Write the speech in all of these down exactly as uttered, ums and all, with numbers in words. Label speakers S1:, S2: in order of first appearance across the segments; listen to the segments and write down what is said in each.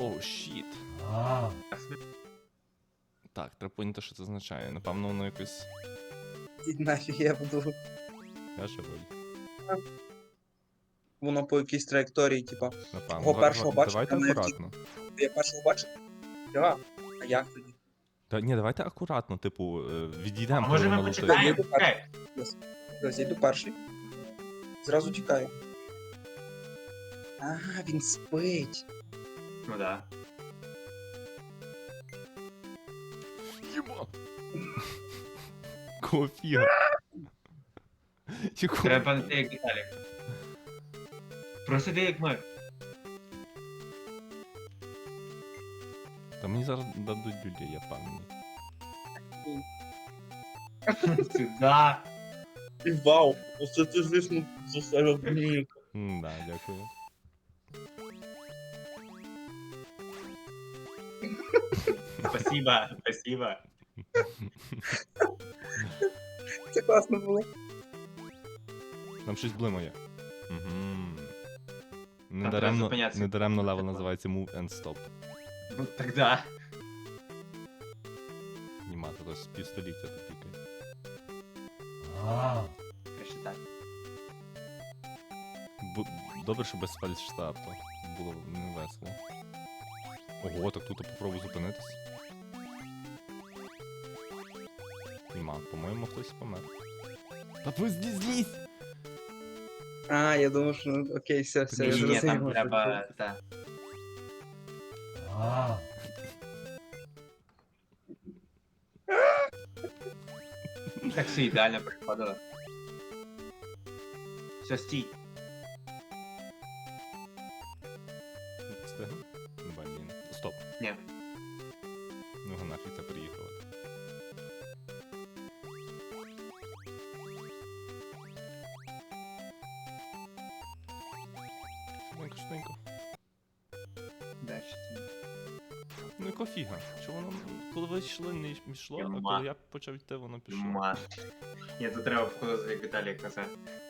S1: Оу, щіт. Так, треба поняти, що це означає. Напевно, воно якось...
S2: Ідь нафіг, я буду.
S1: Я ще волі.
S2: Воно по якійсь траєкторії, типа.
S1: Напевно.
S2: Кого
S1: Давай-
S2: першого
S1: давай-
S2: бачиш,
S1: Давайте
S2: а не
S1: акуратно.
S2: Я першого бачив? Так. А як тоді?
S1: Та, ні, давайте акуратно, типу, е, відійдемо,
S3: А
S1: коли
S3: може
S1: воно
S3: ми
S1: летить.
S3: почекаємо?
S2: Я
S3: Чекай.
S2: Ось, я йду перший. Зразу тікаю. А, він спить.
S3: Ну да.
S1: Єба! Кого фіга? Якого?
S3: Треба ти як Віталік. Просто ти як ми.
S1: Та мені зараз дадуть людей, я впевнений.
S3: Сюда.
S2: І вау, оце ти, звісно, заставив мені.
S1: М, Да, дякую.
S3: Спасибо, спасибо.
S2: Це класно було.
S1: Там щось блимає. Угу.
S3: треба
S1: Недаремно,
S3: зупинятися.
S1: недаремно левел називається Move and Stop.
S3: Ну тогда.
S1: Німати, то з півстоліття тут тільки.
S3: Краще так.
S1: Бу- Добре, що без фальшстарту. Було не весело. Ого, так тут попробуй зупинитись. Нема, по-моєму, хтось помер. Та ви злізь, злізь!
S2: А, я думав, що ну, окей, все, все, я
S3: Ні, ні,
S2: зрозумів.
S3: там
S2: що
S3: треба. Та. Так все ідеально приходило. Все, стій.
S1: Встигну? Блін. Стоп.
S3: Ні.
S1: Ну його нафіг це приїхало. Швиденько, швиденько.
S3: Дальше.
S1: Ну яка фіга? Чого воно, коли ви йшли, не йшло, а
S3: Нема.
S1: коли я почав йти, воно пішло.
S3: Ма. Ні, тут треба входити як Віталік казав.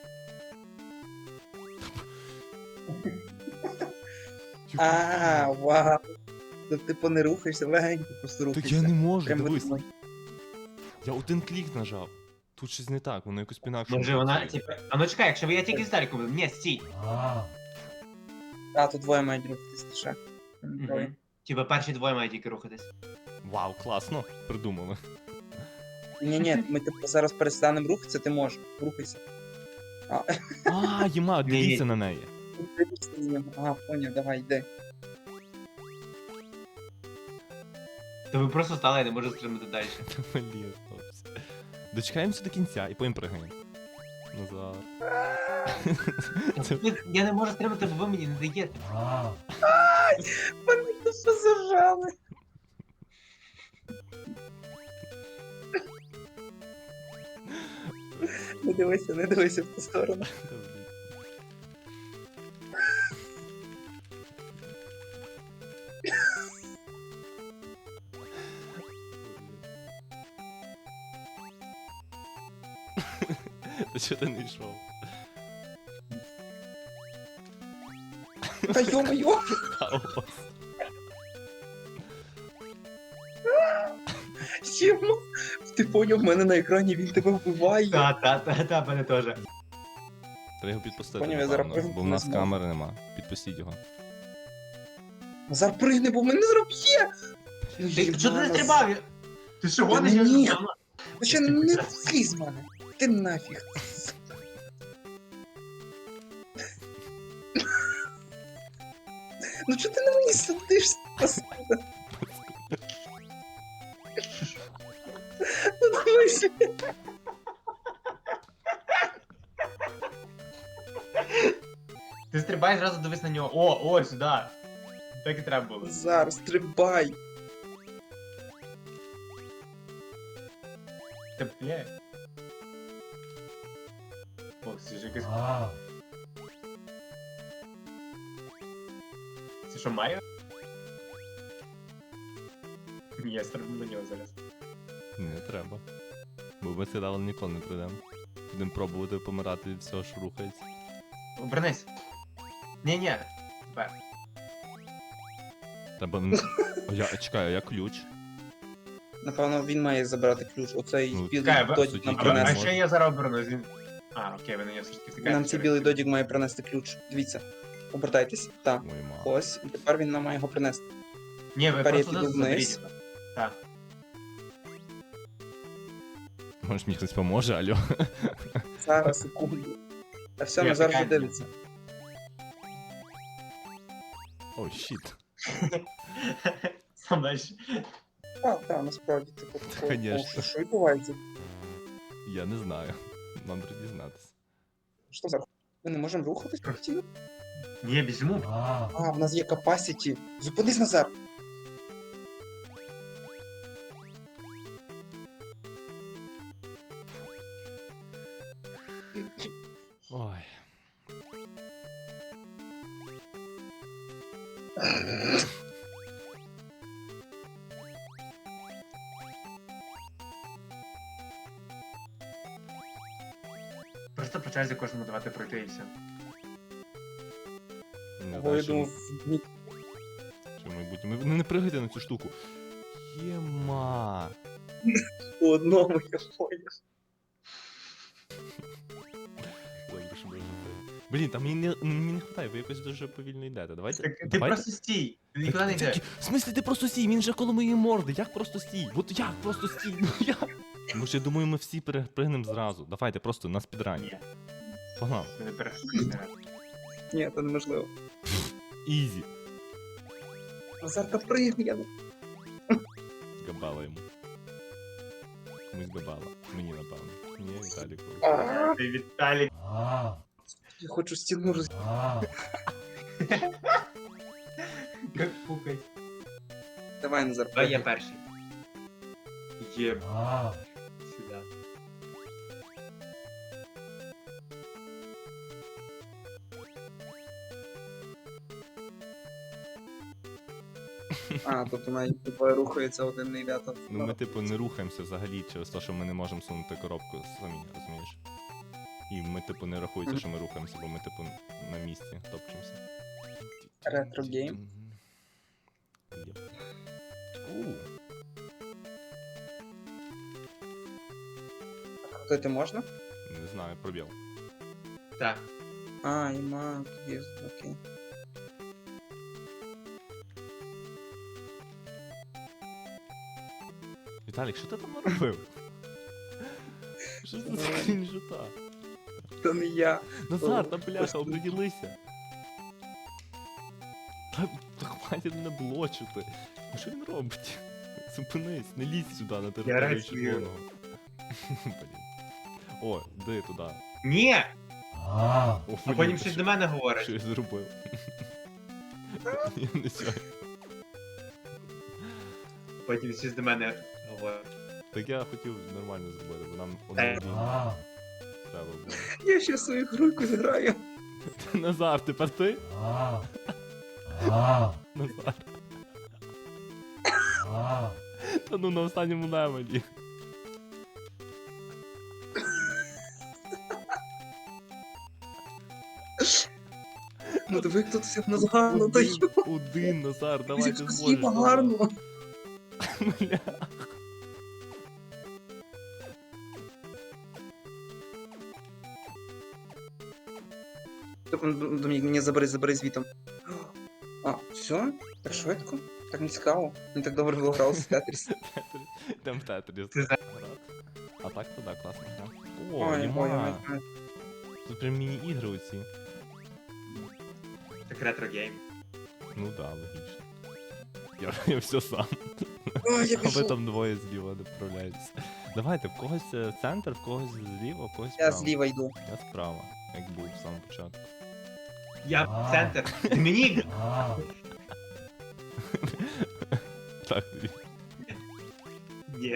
S2: А, вау. То типу не рухаєшся, легенько просто
S1: Так
S2: рухаєшся.
S1: я не можу,
S2: Прям
S1: дивись.
S2: видно.
S1: Я один клік нажав. Тут щось не так, воно якось пінакше.
S3: Може вона, типа. А ну чекай, якщо я тільки з Віталіком буду. Ні, стій.
S2: А, тут двоє мають рухатись лише. Троє.
S3: Мгм. Типа перші двоє мають тільки рухатись.
S1: Вау, класно, придумали.
S2: Ні, ні, ми типу зараз перестанемо рухатися, ти можеш. Рухайся. А,
S1: А, Єма, дивіться
S3: Ні.
S1: на неї.
S2: дивишся з ним. Ага, поняв, давай, йди.
S3: То ви просто стали, я не можу стрибнути далі.
S1: Блін, хлопці. Дочекаємося до кінця і потім пригаємо. Назад. Це-
S3: Я не можу стрибнути, бо ви мені не даєте.
S2: Мене тут зажали. Не дивися, не дивися в ту сторону.
S1: Та чого ти не йшов?
S2: Та йо-моє!
S1: Хаос.
S2: Сімо! Ти поняв, в мене на екрані він тебе вбиває.
S3: Та, та, та, та, мене теж.
S1: Треба його підпустити,
S2: Поняв, я зараз
S1: напевно,
S2: пригну,
S1: бо в
S2: не
S1: нас
S2: зможу.
S1: камери нема. Підпустіть його.
S2: Назар пригни, бо мене зараз б'є!
S3: Ти що ти не стрибав? Я- Ти що гониш? Я
S2: Ні.
S3: вже-
S2: Ти ще не злізь з мене. Ти нафіг. Ну чого ти на мені сидиш? паскуда? Ну дивися.
S3: Ти стрибай зразу дивись на нього. О, о, сюди. Так і треба було.
S2: Назар, стрибай.
S3: Та бля. О, це ж якась. Це що, Майо? Ні, я стрибну на нього зараз.
S1: Не треба. Бо ми це дали ніколи не прийдемо. Будемо пробувати помирати від всього, що рухається.
S3: Обернись. Ні-ні. Тепер.
S1: Треба... н- А я, чекай, а я ключ?
S2: Напевно, він має забрати ключ. Оцей
S1: Ну,
S2: білий
S3: Чекай, ви-
S2: додік
S1: суді,
S2: нам
S1: який
S3: А,
S1: він
S3: а
S2: принесе.
S1: може.
S3: ще я зараз обернусь. він- А, окей, ви на нього все ж таки втикаєте.
S2: Нам цей білий додік має принести ключ. Дивіться. Обертайтесь. Так.
S1: Ой, ма.
S2: Ось. І тепер він нам має його принести.
S3: Ні, ви
S2: Тепер я
S3: просто
S2: піду
S3: заберіть
S2: вниз.
S3: його. Так.
S1: Може мені хтось поможе, алло?
S2: Зараз, секунду. Та все,
S3: Ні,
S2: Назар вже
S3: чекай.
S2: дивиться.
S1: О, щіт.
S3: Сам дальше.
S2: Так, так, насправді, типу, такого.
S1: Конечно.
S2: О, що відбувається?
S1: Я не знаю. Нам треба дізнатися.
S2: Що за? Ми не можемо рухатись постійно?
S3: Ні, біжимо.
S2: А, в нас є capacity. Зупинись, Назар.
S1: Ой.
S3: Просто по черзі кожному давати пройти і все.
S1: Не
S2: Бо
S1: знаю,
S2: я
S1: що,
S2: думав, ні.
S1: що в майбутньому. Ви не пригайте на цю штуку. Єма.
S2: По одному я поняв.
S1: Добре, що ми вже це. Блін, там мені не, мені не хватає, ви якось дуже повільно йдете. Давайте.
S3: Так, ти
S1: давайте...
S3: просто стій, ти нікуди не
S1: Так,
S3: йдеш.
S1: так, В смислі ти просто стій, він же коло моєї морди. Як просто стій? От як просто стій? Ну як? Тому що я думаю, ми всі перепригнемо зразу. Давайте просто на спідрані.
S3: Ні,
S1: Погнали.
S3: ти не перестань.
S2: Ні, це неможливо.
S1: Ізі.
S2: Назар, та пригни, я не...
S1: Габала йому. Комусь габала. Мені, напевно. Мені Віталіку.
S2: А,
S3: Ти Віталік.
S2: Я хочу стіну роз...
S3: Як пукать.
S2: Давай, Назар,
S3: Давай я
S2: пригни.
S3: перший. Є. Сюди.
S2: А, тобто навіть двоє рухаються, один не йде, то...
S1: Ну ми типу не рухаємося взагалі через те, що ми не можемо сунути коробку самі, розумієш? І ми типу не рахується, що ми рухаємося, бо ми типу на місці топчемося.
S2: Ретро-гейм.
S1: Єп. У,
S2: Крутити можна?
S1: не знаю, пробіл.
S3: Так.
S2: А, іма, тоді, окей.
S1: Віталік, що ти там наробив? Що це за крінжота?
S2: Це не я.
S1: Назар, та
S2: О,
S1: бляха,
S2: просто-
S1: оприділися. Та, та хватить мене блочити. Ну що він робить? Зупинись, не лізь сюди на територію
S3: рацію.
S1: червоного. Блін. О, де туди?
S3: Ні!
S1: О,
S3: А
S1: блін,
S3: потім
S1: ти
S3: щось
S1: що-
S3: до мене говорить.
S1: Що я зробив? Я не знаю.
S3: Потім щось до мене говорить.
S1: Так я хотів нормально зробити, бо нам
S3: Е.
S1: однодійно треба було.
S2: Я ще свою груйку зграю.
S1: Назар, тепер ти? Назар. Та ну на останньому левелі.
S2: Ну диви, як тут все в нас гарно
S1: Один,
S2: даю.
S1: один, Назар, давай ти зможеш.
S2: Скільки гарно.
S1: Бля.
S2: Домінік, мені забери, забери звітом. А, все? Так швидко? Так не цікаво. Не так добре було грав з Тетріс.
S1: Йдем в Тетріс.
S3: Ти за-
S1: А так то да, класна гра. О,
S2: Ой, ой,
S1: нема.
S2: ой.
S1: Тут прям міні-ігри оці.
S3: Так ретро-гейм.
S1: Ну да, логічно. Я, я все сам.
S2: Ой, я
S1: А ви
S2: пішов.
S1: там двоє зліва не вправляєтесь. Давайте, в когось е, центр, в когось зліва, в когось
S2: Я
S1: справа.
S2: зліва йду.
S1: Я справа, як був в самому початку.
S3: Я в центр. Домінік!
S1: Так, тобі.
S3: Ні.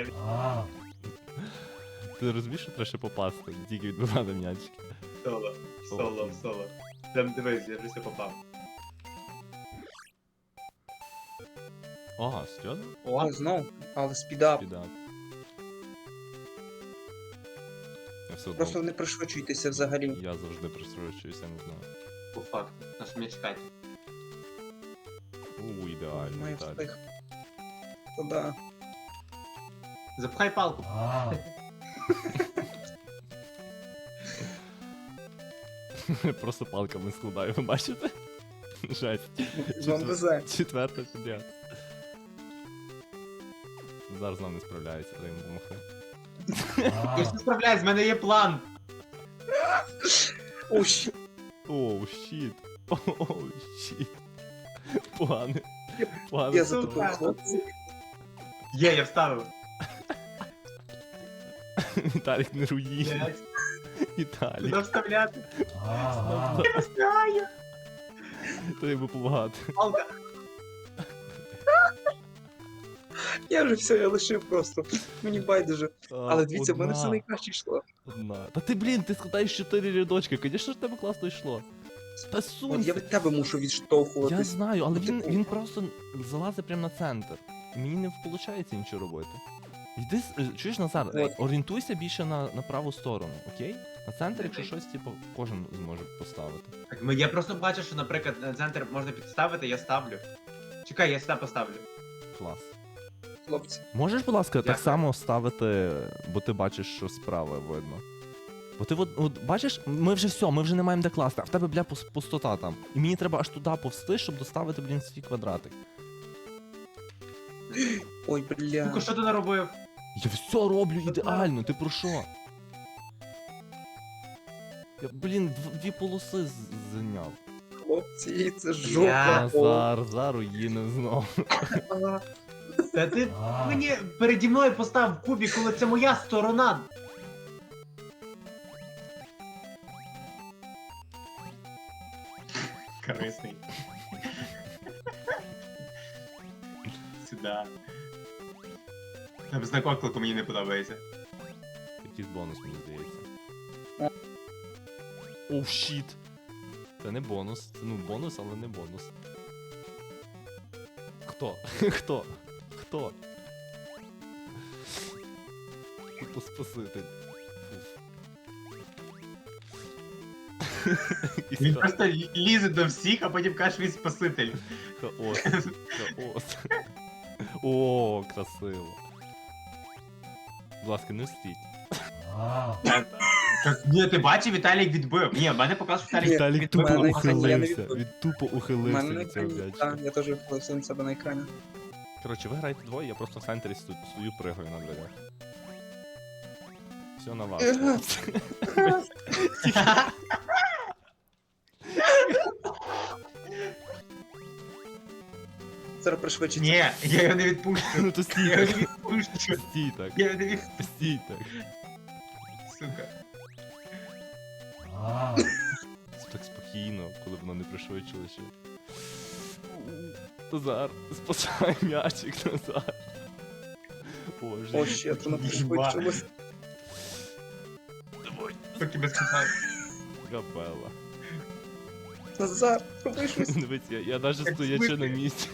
S1: Ти розумієш, що треба ще попасти, не тільки відбивати м'ячики.
S3: Соло. Соло, соло. Там дивись, я вже все попав.
S1: Ага, серйозно?
S3: О,
S2: О, знов. Але спідап.
S1: Піда. Я все одно,
S2: Просто не пришвидшуйтеся взагалі.
S1: я завжди присрочуюся, не знаю.
S3: по факту. На що мені чекати?
S1: У, ідеально,
S2: Має
S1: Віталік.
S2: встиг. То да.
S3: Запхай палку.
S1: Просто палками складаю, ви бачите? Жесть.
S2: Вам везе.
S1: Четверта підряд. Зараз нам не справляється, дай йому помахи.
S3: Я все справляюсь, в мене є план.
S2: О, щ-
S1: Оу, щіт. Оу, щіт. Погане. Погане.
S2: Я
S1: слово.
S2: затупив, хлопці.
S3: Є, я вставив.
S1: Віталік не руїн.
S3: Блядь,
S1: Віталік.
S3: Куди вставляти?
S1: Стоп,
S3: Я не знаю.
S1: треба допомагати.
S3: Палка.
S2: Я вже все, я лишив просто. Мені байдуже. Але дивіться, в мене все
S1: Одна.
S2: найкраще йшло.
S1: Одна. Та ти, блін, ти складаєш чотири рядочки, звісно ж в тебе класно йшло. Та
S2: От я
S1: сунься.
S2: від тебе мушу
S1: Я
S2: відштовхуватись.
S1: знаю, але
S2: Ну,
S1: він,
S2: типу-
S1: він просто залазить прямо на центр. І мені не виходить нічого робити. Йди, с- е, чуєш, Назар,
S2: От.
S1: орієнтуйся більше на, на праву сторону, окей? На центр, якщо щось, типу, кожен зможе поставити.
S3: Так, ми- я просто бачу, що, наприклад, на центр можна підставити, я ставлю. Чекай, я сюди поставлю.
S1: Клас.
S2: Хлопці.
S1: Можеш, будь ласка, так
S3: Дякую.
S1: само ставити, бо ти бачиш, що справа видно. Бо ти от, от бачиш, ми вже все, ми вже не маємо де класти, а в тебе, бля, пус- пустота там. І мені треба аж туди повсти, щоб доставити, блін, свій квадратик.
S2: Ой, бля.
S3: Сука, що ти наробив?
S1: Я все роблю
S3: Що ти
S1: ідеально, ти про що? Я, блін, дв- дві полоси з- зайняв.
S2: Хлопці, це
S3: Я-
S2: жопа. О,
S1: Назар, заруїни знов.
S2: а.
S3: Та ти мені переді мною постав кубик, коли це моя сторона. Корисний. Сюда. Там знак оклику мені не подобається.
S1: Якийсь бонус, мені здається. Оу, щіт. Це не бонус. Це, ну, бонус, але не бонус. Хто? Хто? Хто? Тупо спаситель. Фуф. Якийсь
S3: Він
S1: ха-
S3: просто лі- лізе до всіх, а потім каже, він спаситель.
S1: хаос. Хаос. О, красиво. Будь ласка, не встіть.
S3: Так, ні, ти бачив, Віталік відбив. Ні, в мене показав, що Віталік
S1: Віталік
S3: відбив.
S1: тупо
S2: мене екрані, я не
S1: ухилився.
S2: відбив.
S1: Він тупо
S2: У
S1: ухилився
S2: мене на
S1: від цього
S2: екрані.
S1: м'ячика.
S2: Так, я теж вхилився на себе на екрані.
S1: Коротше, ви граєте двоє, я просто в центрі сто- стою, пригаю на дверях. Все на вас.
S2: Еге.
S1: хлопці.
S2: Зараз пришвидшиться.
S3: Ні, я його не відпущу.
S1: Ну то
S3: Я
S1: стій
S3: його не
S1: так.
S3: відпущу.
S1: Стій так.
S3: Я його не відпущу,
S1: Стій так.
S3: сука.
S1: Так спокійно, коли воно не пришвидшило ще. Назар, спасай м'ячик, Назар. Боже.
S2: О, ще воно пришвидшилось.
S3: Поки без питань.
S1: Капела.
S2: Назар, роби щось.
S1: Дивись, я, я навіть
S3: Як
S1: стоячи на
S3: смикає.
S1: місці.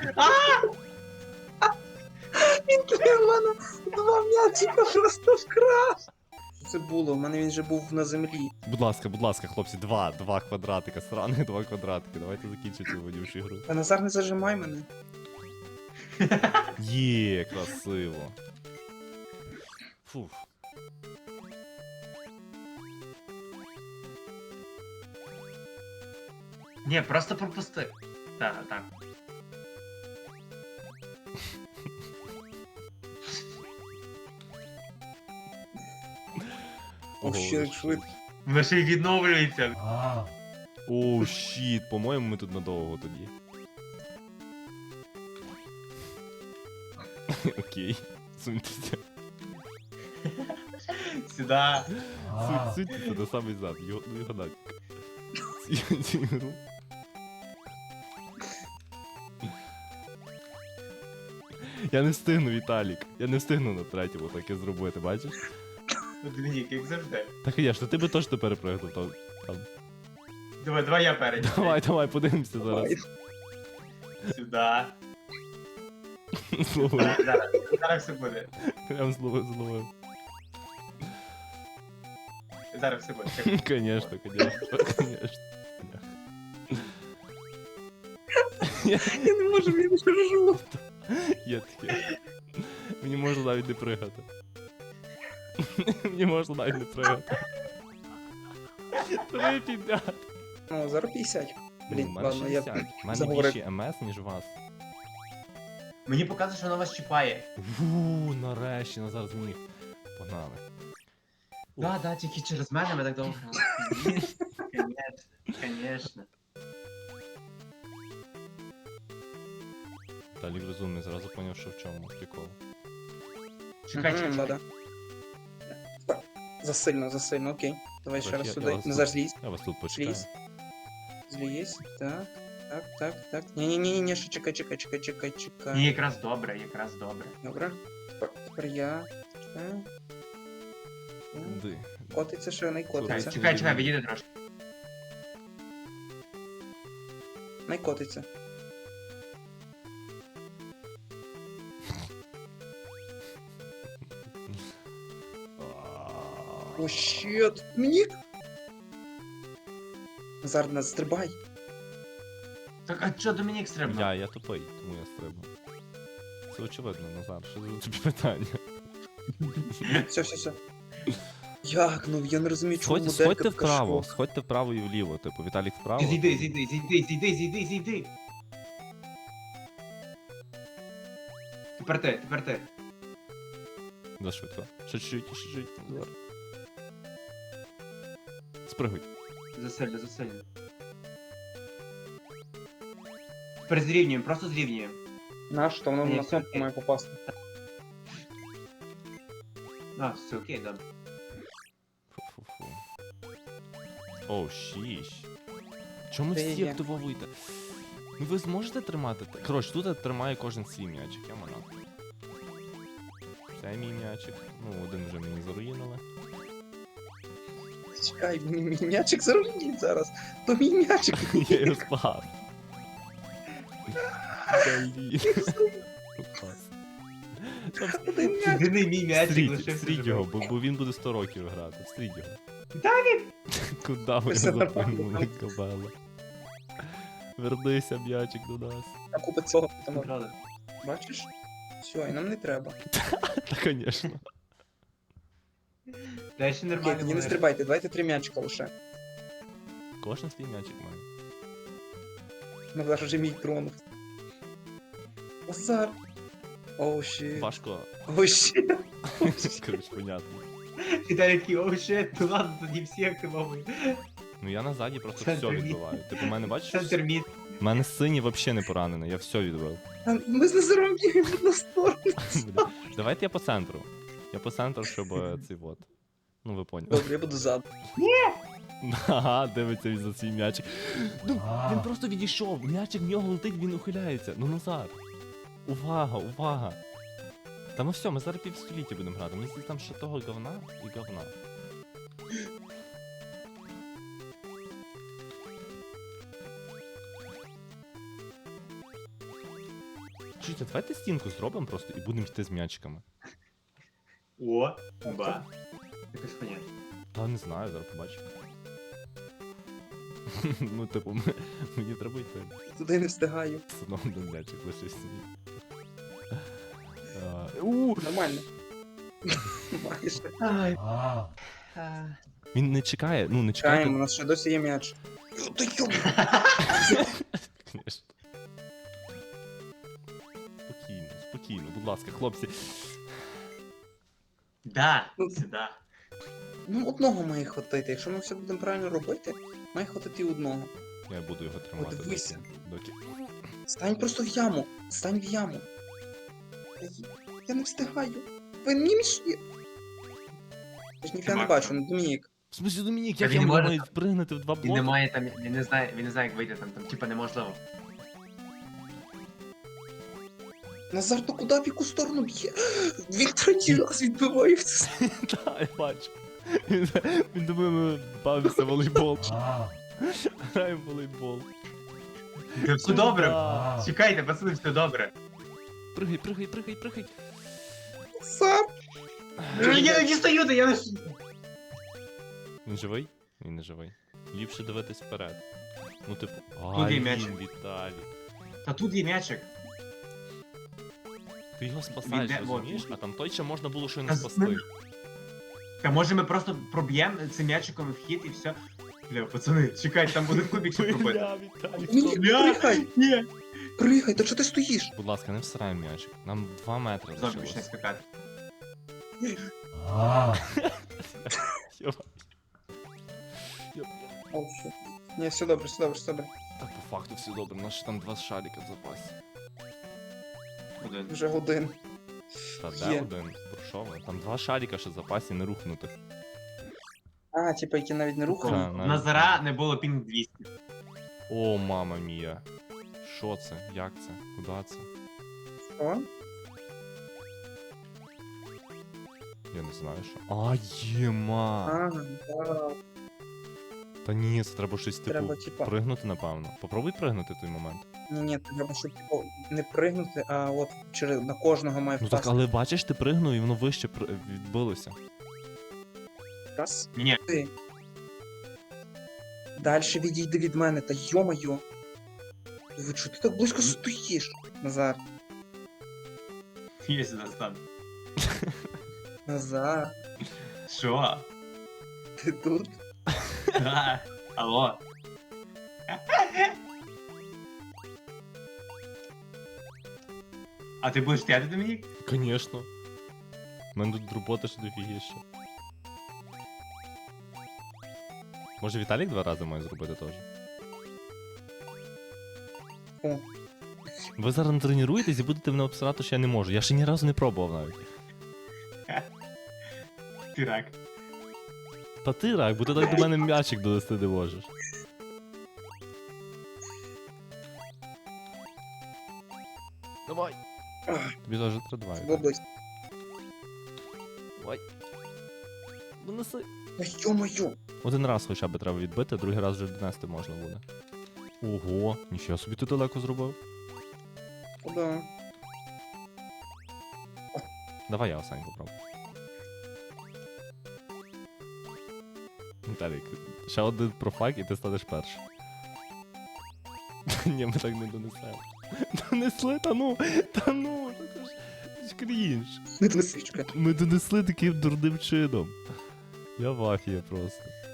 S2: Він в мене два м'ячика просто вкрав. Що це було? У мене він вже був на землі.
S1: Будь ласка, будь ласка, хлопці, два, два квадратика, сраних два квадратики. Давайте закінчимо цю водівшу ігру.
S2: А Назар, не зажимай мене.
S1: Є, красиво. Фуф.
S3: Ні, просто пропусти. Так, так.
S2: О, ще як швидко.
S3: Воно ще й відновлюється.
S1: Оу, щіт, по-моєму, ми тут надовго тоді. Окей, суньтеся.
S3: Сюда.
S1: Сунь, суньтеся до самий зад, його, ну його нафіг. Цю, цю ігру. Я не встигну, Віталік. Я не встигну на третьому таке зробити, бачиш?
S3: Двійник, як завжди.
S1: Так і я ж, то ти би точно перепригнув там. там.
S3: Давай, давай я перед.
S1: Давай, давай, подивимося зараз.
S2: Давай.
S3: Сюда.
S1: Зловив.
S3: Зараз, зараз все буде.
S1: Прям зловив, зловив.
S3: Зараз все буде.
S1: Конечно, конечно, конечно.
S2: Я не можу, я не держу.
S1: Є таке. Мені можна навіть не пригати. Мені можна навіть не пригати. Три підряд.
S2: Ну, зараз п'ятдесят.
S1: Ну,
S2: Блін,
S1: в мене
S2: ладно, я
S1: шістдесят. В мене
S2: заговорив.
S1: більше МС, ніж у вас.
S3: Мені показує, що вона вас чіпає.
S1: Фу, нарешті, Назар зміг. Погнали.
S3: Да, да, тільки через мене ми так довго грали. Конечно, конечно.
S1: Талік розумний, зразу поняв, що в чому прикол.
S3: Чекай,
S2: Мгм,
S3: чекай,
S2: да-да.
S3: чекай.
S2: Так, засильно, засильно, окей. Давай ще
S1: Трохи
S2: раз
S1: я-
S2: сюди.
S1: я вас
S2: Назар,
S1: тут-
S2: злізь.
S1: Я вас тут почекаю.
S2: Злізь. Злізь. Так, так, так, так. Ні-ні-ні, ще чекай, чекай, чекай, чекай, чекай.
S3: Ні, якраз добре, якраз добре.
S2: Добре. Тепер, тепер я. Чекай. Так.
S1: Ди.
S2: Котиться, ще не
S3: Чекай,
S2: котиться.
S3: чекай, чекай, відійди трошки.
S2: Не котиться. О, щет. Мені. Назар, нас стрибай.
S3: Так, а чо Домінік стрибнув?
S1: Я, я тупий, тому я стрибну. Це очевидно, Назар, що за тобі питання?
S2: Все, все, все. Як? Ну я не розумію, чому
S1: Сходь,
S2: моделька
S1: сходьте
S2: така
S1: вправо,
S2: широка.
S1: сходьте вправо і вліво, типу, Віталік вправо.
S3: Зійди, зійди, зійди, зійди, зійди, зійди. Тепер ти, тепер ти.
S1: Да, швидко. Ще чуть-чуть, ще чуть-чуть, Назар. Спригуй.
S3: Засильно, засильно. Тепер зрівнюємо, просто зрівнюємо.
S2: На що, воно
S3: Ні,
S2: на
S3: все
S2: кнопку
S3: окей.
S2: має попасти.
S3: А, все окей, добре.
S1: Фу-фу-фу. О, шість. Чому
S2: Де
S1: всі
S2: є?
S1: активовуєте? Ну ви зможете тримати? те- Коротше, тут тримає кожен свій м'ячик, я мана. Це мій м'ячик. Ну, один вже мені заруїнили.
S2: Чекай, мій мій м'ячик заруїніть зараз. То мій м'ячик.
S1: Я його спас. Блін. Клас.
S2: Один м'ячик.
S3: Єдиний мій м'ячик
S1: Стріть,
S3: лишився
S1: стріть його,
S3: живим.
S1: бо, бо він буде сто років грати. Стріть його.
S3: Віталік!
S1: Куда ви
S2: Все
S1: його
S2: нормально.
S1: запихнули, кобела? Вернися, м'ячик, до нас.
S2: А купа цього там.
S3: Правда.
S2: Бачиш? Все, і нам не треба.
S1: Та, звісно.
S3: Та ще
S2: Окей,
S3: нормально.
S2: тоді не
S3: було.
S2: стрибайте, давайте три м'ячика лише.
S1: Кожен свій м'ячик має.
S2: Ну зараз вже мій тронув. Назар. Оу, щит.
S1: Важко.
S2: Оу, щит.
S1: Коротше, понятно.
S3: Віталік такий, оу щет, ну ладно, тоді всі активовують.
S1: Ну я назаді просто
S3: Центр
S1: все
S3: мід.
S1: відбиваю. Типу, мене бачиш?
S3: Центр мід.
S1: У мене синій взагалі не поранений, я все відбив.
S2: А, Ми з Назаром бігаємо в одну сторону.
S1: Бля. Давайте я по центру. Я по центру, щоб е, цей вот. Ну ви поняли.
S2: Добре, я буду ззаду.
S1: Ага, дивиться він за свій м'ячик. Ну, він просто відійшов, м'ячик в нього летить, він ухиляється. Ну Назар. Увага, увага. Та ну все, ми зараз півстоліття будемо грати. Мені здається, там ще того говна і говна. Чуєте, давайте стінку зробимо просто і будемо йти з м'ячиками.
S3: О, ба. Якось понятно.
S1: Та не знаю, зараз побачимо. Ну, типу, м- мені треба йти.
S2: Туди не встигаю.
S1: Все одно один м'ячик лишився. А, у,
S2: Нормально. Майже.
S3: Ай.
S1: Він не чекає, ну не чекає.
S2: Чекаємо, у нас ще досі є м'яч. Йо, Та йо!
S1: Конечно. Спокійно, спокійно, будь ласка, хлопці.
S3: Да,
S2: Ну.
S3: сюди.
S2: Ну, одного має хватити. Якщо ми все будемо правильно робити, має хватити одного.
S1: Я буду його тримати
S2: Подивися.
S1: доки. доки.
S2: Стань просто в яму. Стань в яму. Та й- Я не встигаю. Ви мені міші. Я ж ніфіга не
S3: Макс.
S2: бачу, ну Домінік.
S1: В смысле, Домінік,
S3: Та
S1: як
S3: він
S1: я
S3: не
S1: можу
S3: може
S1: навіть впригнути в два
S3: Він
S1: блоки?
S3: не має там, він не знає, він не знає, як вийти там, там, типа неможливо.
S2: Назар, то куди в яку сторону б'є? Він третій раз відбиває в цю
S1: Так, я бачу. Він, він думає, ми бавимося в волейбол. Граємо в волейбол.
S3: Все добре.
S1: Да.
S3: Чекайте, пацани, все добре.
S1: Пригай, пригай, пригай, пригай.
S2: Назар.
S3: Я не дістаю, та я не...
S1: Він живий? Він не живий. Ліпше дивитись вперед. Ну, типу,
S3: Куди
S1: ай,
S3: м'ячик?
S1: він, Віталій.
S3: Та тут є м'ячик.
S1: Ти його спасаєш,
S3: Він де- вот.
S1: розумієш? А там той ще можна було ще й
S3: Та
S1: не
S3: з-
S1: спасти.
S3: Та може ми просто проб'ємо цим м'ячиком в хід і все. Бля, пацани, чекайте, там буде кубик ще пробити.
S1: Бля, Віталік,
S2: Ні,
S1: стоп.
S2: пригай,
S3: Ні.
S2: пригай, та чого ти стоїш?
S1: Будь ласка, не всирай м'ячик. Нам два метри
S3: Знову почне
S1: лишилось.
S3: скакати.
S1: Йоба. Йоба.
S2: О, що? Ні, все добре, все добре, все добре.
S1: Так, по факту все добре, у нас ще там два шарика в запасі.
S3: Один.
S2: Вже годин.
S1: Та де
S2: Є.
S1: один? Про що ви? Там два шарика ще в запасі не рухнутих.
S2: А, типа, які навіть не
S1: Та,
S2: рухали.
S1: навіть
S3: Назара не було пінг двісті.
S1: О, мама мія. Що це? Як це? Куда це?
S2: Що?
S1: Я не знаю, що. А, єма!
S2: А, да.
S1: Та ні, це треба щось типу
S2: Треба, типа,
S1: пригнути, напевно. Попробуй пригнути в той момент.
S2: ні, ні, треба, щоб типу, не пригнути, а от через на кожного має
S1: Ну так,
S2: впасти.
S1: але бачиш, ти пригнув і воно вище при- відбилося.
S2: Раз.
S3: Ні,
S2: Ти. Дальше відійди від мене, та йо-моє. Ви чого ти так близько стоїш, Назар?
S3: я сюди стану.
S2: Назар,
S3: Що?
S2: ти тут?
S3: Да. Алло. А ти будеш стояти, Домінік?
S1: Звісно. У мене тут робота ще дофігіше. Може Віталік два рази має зробити теж?
S2: О.
S1: Ви зараз не тренуєтесь і будете мене обсирати, що я не можу. Я ще ні разу не пробував навіть.
S3: Ти рак.
S1: Та ти рак, бо ти так до мене м'ячик донести не можеш. Давай.
S2: Ах,
S1: Тобі теж треба два.
S2: в область.
S1: Давай. Донеси.
S2: Та йо-моє.
S1: Один раз хоча б треба відбити, другий раз вже донести можна буде. Ого, нічого собі ти далеко зробив.
S2: Да.
S1: Давай я останній попробую. Віталік, ще один профак і ти станеш першим. Ні, ми так не донесемо. Донесли, та ну, та ну, це ж, це ж крінж.
S2: Не свічка.
S1: Ми донесли таким дурним чином. Я в афії просто.